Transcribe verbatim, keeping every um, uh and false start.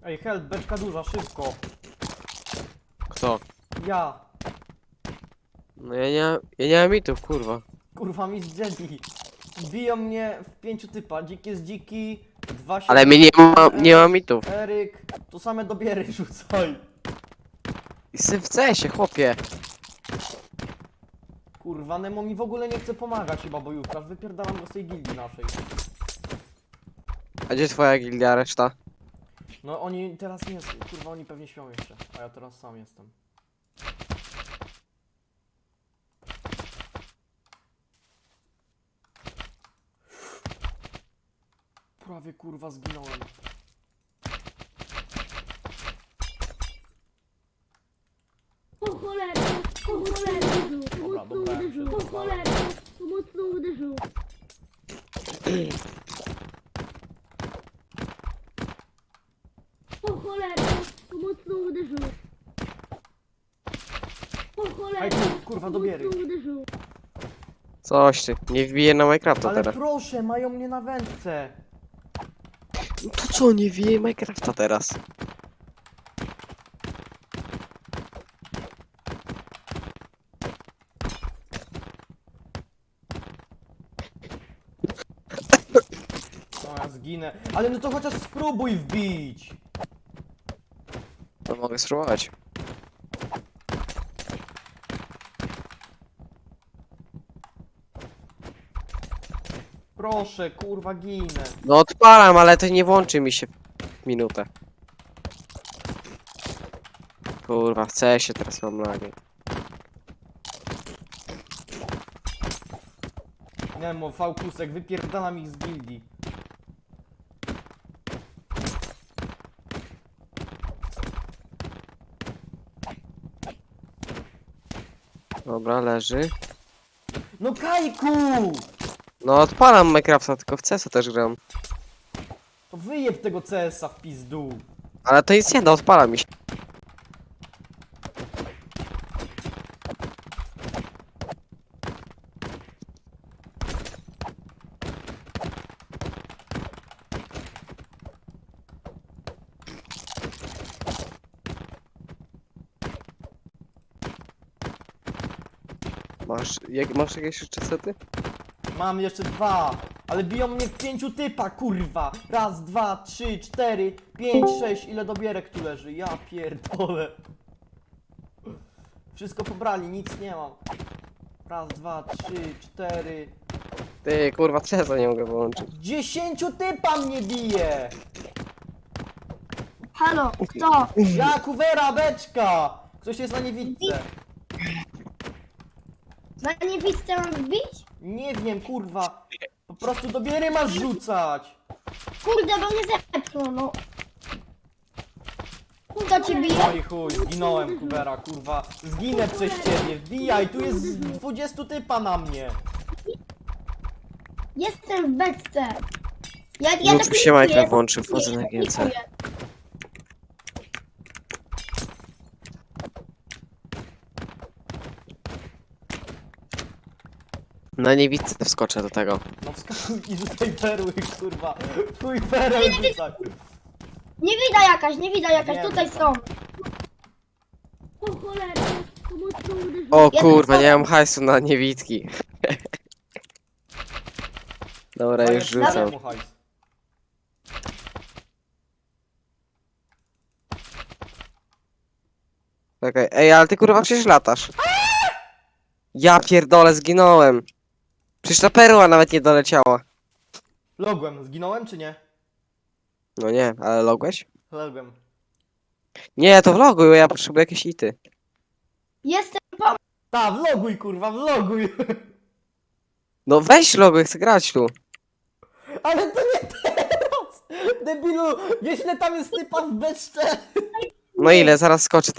Ej, help, beczka duża, szybko. Kto? Ja. No ja nie, ja nie mam mitów, kurwa. Kurwa, mistrz Jedi. Biją mnie w pięciu typa. Dzik jest dziki. Dwa się... Ale my nie ma, nie ma mitów. Eryk. To same dobiery rzucaj. Jestem w cesie, chłopie. Kurwa, Nemo mi w ogóle nie chce pomagać chyba bojówka. Wypierdalam go z tej gildii naszej. A gdzie twoja gildia, reszta? No oni teraz nie... Kurwa, oni pewnie śpią jeszcze. A ja teraz sam jestem. Prawie kurwa zginąłem. O cholera, o cholera, Dobra, mocno dobra, uderzył, wszystko o cholera, mocno uderzył. O cholera, mocno uderzył. O cholera, Aj tu, kurwa, dobiery. mocno uderzył. Coś ty, nie wbije na Minecrafta Ale teraz. proszę, mają mnie na wędce. No to co, nie wbije Minecrafta teraz? No ja zginę. Ale no to chociaż spróbuj wbić. To mogę spróbować. Proszę, kurwa, ginę. No odpalam, ale to nie włączy mi się w minutę. Kurwa, w cesie teraz mam lagi. Nemo, fałkusek, wypierdalam ich z gildii. Dobra, leży. No Kajku! No odpalam Minecrafta, tylko w C S a też gram. To wyjeb tego C S a w pizdu. Ale to jest jedna, odpala mi się. Masz, jak, masz jakieś jeszcze sety? Mam jeszcze dwa, ale biją mnie w pięciu typa, kurwa. Raz, dwa, trzy, cztery, pięć, sześć, ile dobierek tu leży, ja pierdolę. Wszystko pobrali, nic nie mam. Raz, dwa, trzy, cztery. Ty, kurwa, C S a nie mogę wyłączyć. Dziesięciu typa mnie bije! Halo, kto? Ja, kuwera, beczka! Ktoś jest na niewidce. Na niewidce mam wbić? Nie wiem, kurwa. Po prostu dobiery masz rzucać. Kurde, bo mnie zepchnął, no. Kto ci bije? No i chuj, zginąłem, kuwera, kurwa. Zginę przez ciebie, wbijaj, tu jest z dwudziestu typa na mnie. Jestem w beczce. Ja, ja Jutro tak się nie Minecraft czuję. włączy, wchodzę na G C. Na niewidce wskoczę do tego. No wskakuj i rzucaj perły, kurwa. Twój perel rzucaj. Nie widać jakaś, nie widać jakaś, Wiem, tutaj wiem. są. O cholera, to mocno uderzyło. O Ja kurwa, tak nie mam hajsu na niewidki. Dobra, już rzucam. Daj mu hajs. Czekaj, ej, ale ty kurwa przecież latasz. Ja pierdolę, zginąłem. Przecież ta perła nawet nie doleciała. Logłem, zginąłem czy nie? No nie, ale logłeś? Logłem. Nie, to vloguj, ja potrzebuję jakieś ity. Jestem po... Ta, vloguj, kurwa, vloguj. No weź loguj, chcę grać tu. Ale to nie teraz. Debilu, wiesz ile tam jest typa w beczce? No ile, zaraz skoczę